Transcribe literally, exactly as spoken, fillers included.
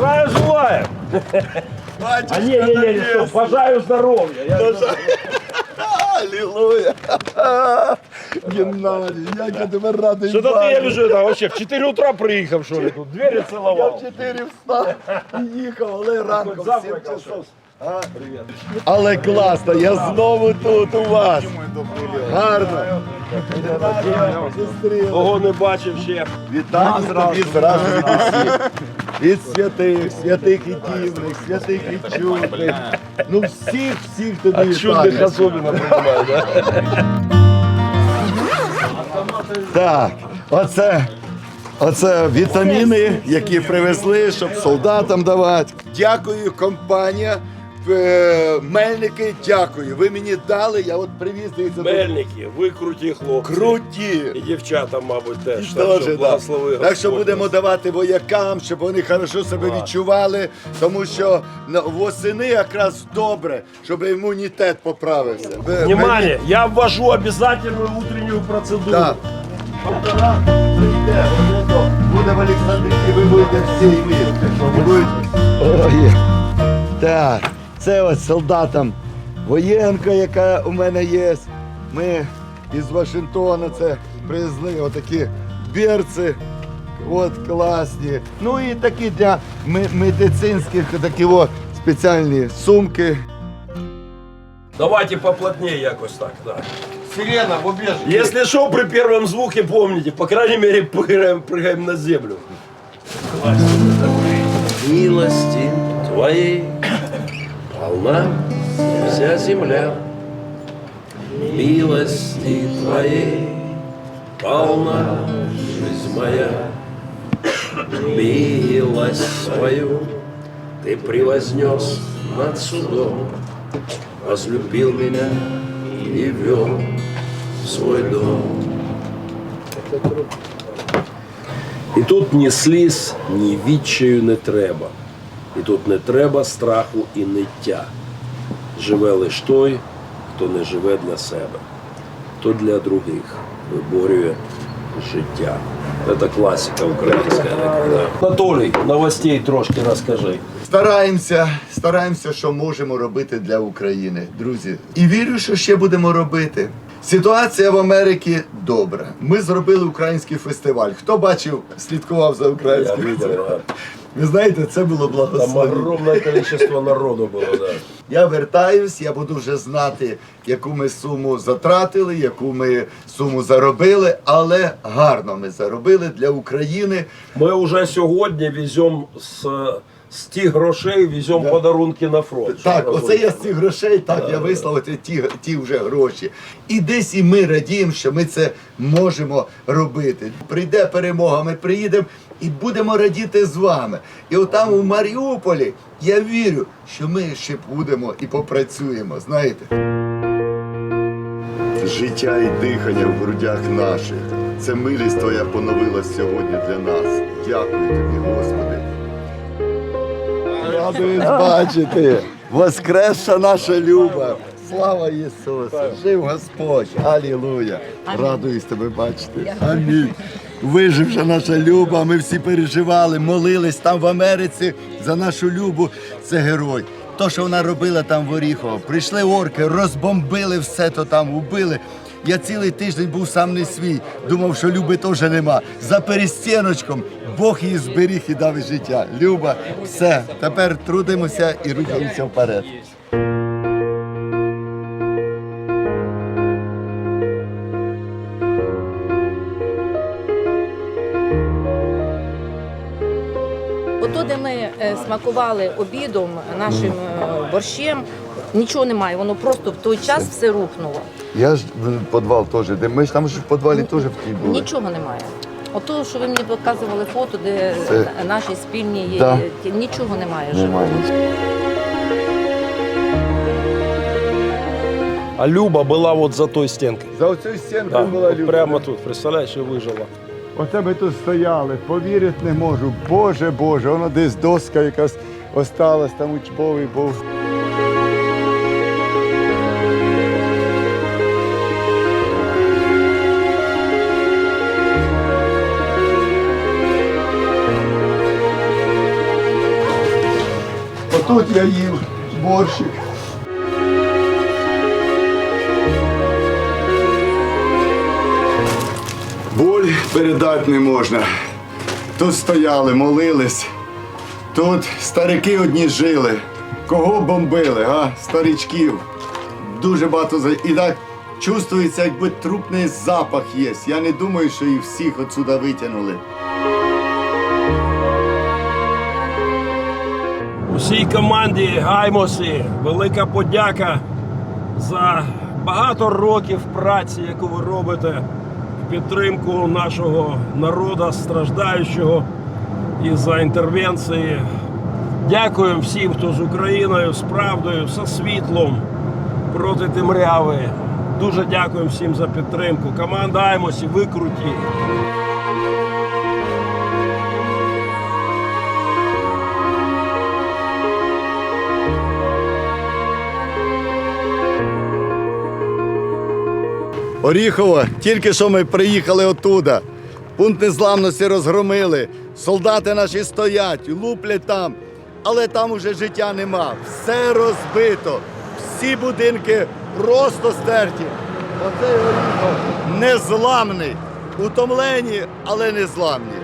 Здравия желаю! Батюшка, А не, не, не, не, стоп, пожаю здоровья. Я... Аллилуйя! Геннадій, як я тебе радий Что-то ты, я бачити. вижу, это вообще в четыре утра приехал, что ли, тут двери Я целовал. в чотири встав і їхав, але ранком в сім завтракав часов. А? Але класно, я знову тут у вас. Гарно. Зустріли. Ого, не бачив ще. Вітання тобі зразу від усіх. Від святих, святих і дівних, святих і чудних. Ну всіх, всіх тобі От чудных вітання. особенно понимаю, да? Так, оце, оце вітаміни, які привезли, щоб солдатам давати. Дякую, компанія. е, Мельники, дякую. Ви мені дали, я от привіз дивіться. тут. Мельники, ви круті хлопці. Круті. І дівчата, мабуть, теж. Так Дуже, що да. благослови Так що Господь. будемо давати воякам, щоб вони хорошо себе відчували, тому що на- восени якраз добре, щоб імунітет поправився. Ви- Внимание, я ввожу обязательную утреннюю процедуру. Так. Полтора прийде, вони то буде в Олександрії, ви будете всі вірити, що ви будете. Ой. Так, це ось солдатам воєнка, яка у мене є. Ми із Вашингтона це привезли отакі берці. От класні. Ну і такі для ми- медицинських такі о, спеціальні сумки. Давайте поплотнее якось так, да. Сирена в убежище. Если что, при первом звуке помните, по крайней мере, прыгаем, прыгаем на землю. Милости Твоей полна вся земля. Милости Твоей полна жизнь моя. Милость свою Ты превознес над судом, возлюбил меня и вел в свой дом. І тут ні сліз, ні відчаю не треба. І тут не треба страху і ниття. Живе лиш той, хто не живе для себе, хто для других виборює життя. Це класика українська. Да. Анатолій, новостей трошки розкажи. Стараємося, стараємося, що можемо робити для України, друзі. І вірю, що ще будемо робити. Ситуація в Америці добра. Ми зробили український фестиваль. Хто бачив, слідкував за Я українським видел, фестивалем? да. Ви знаєте, це було Там благословення. огромне кількість народу було, да. Я вертаюсь, я буду вже знати, яку ми суму затратили, яку ми суму заробили, але гарно ми заробили для України. Ми вже сьогодні веземо з, з тих грошей, веземо подарунки на фронт. Так, оце я з цих грошей, так, я вислав оті- ті, ті вже гроші. І десь і ми радіємо, що ми це можемо робити. Прийде перемога, ми приїдемо і будемо радіти з вами. І отам у Маріуполі я вірю, що ми ще будемо і попрацюємо, знаєте. Життя і дихання в грудях наших. Це милість Твоя поновилась сьогодні для нас. Дякую Тобі, Господи. Радуюсь бачити. Воскресша наша Люба. Слава Ісусу! Жив Господь! Алілуя! Радуюсь тебе бачити. Амінь. Виживша наша Люба, ми всі переживали, молились там в Америці за нашу Любу. Це герой. То, що вона робила там в Оріхово. Прийшли орки, розбомбили все, то там убили. Я цілий тиждень був сам не свій. Думав, що Люби теж нема. За перестіночком Бог її зберіг і дав життя. Люба, все. Тепер трудимося і рухаємося вперед. Ото, де ми е, смакували обідом нашим е, борщем, нічого немає, воно просто в той час все рухнуло. Я ж в підвал теж, де ми ж там ж в підвалі теж в тій були. Нічого немає. Ото, що ви мені показували фото, де Це- наші спільні є, Да. ті- нічого немає. Немає. А Люба була от за той стінкою. За оцю стінку Да, була от Люба. прямо тут, представляєш, і вижила. Оце ми тут стояли, повірити не можу. Боже, Боже, воно десь доска якась осталась, там учбовий був. Отут я їв борщик. Боль передати не можна. Тут стояли, молились. Тут старики одні жили. Кого бомбили, а? Старичків. Дуже багато за. І так чувствується, якби трупний запах є. Я не думаю, що їх всіх отсюда витягнули. Усій команді Гаймосі велика подяка за багато років праці, яку ви робите в підтримку нашого народу страждаючого і за інтервенції. Дякуємо всім, хто з Україною, з правдою, зі світлом проти темряви. Дуже дякуємо всім за підтримку. Команда Гаймосі, ви круті. Оріхово, тільки що ми приїхали оттуда. Пункт незламності розгромили. Солдати наші стоять, луплять там. Але там уже життя нема. Все розбито. Всі будинки просто стерті. Оцей Оріхов незламний. Утомлені, але незламні.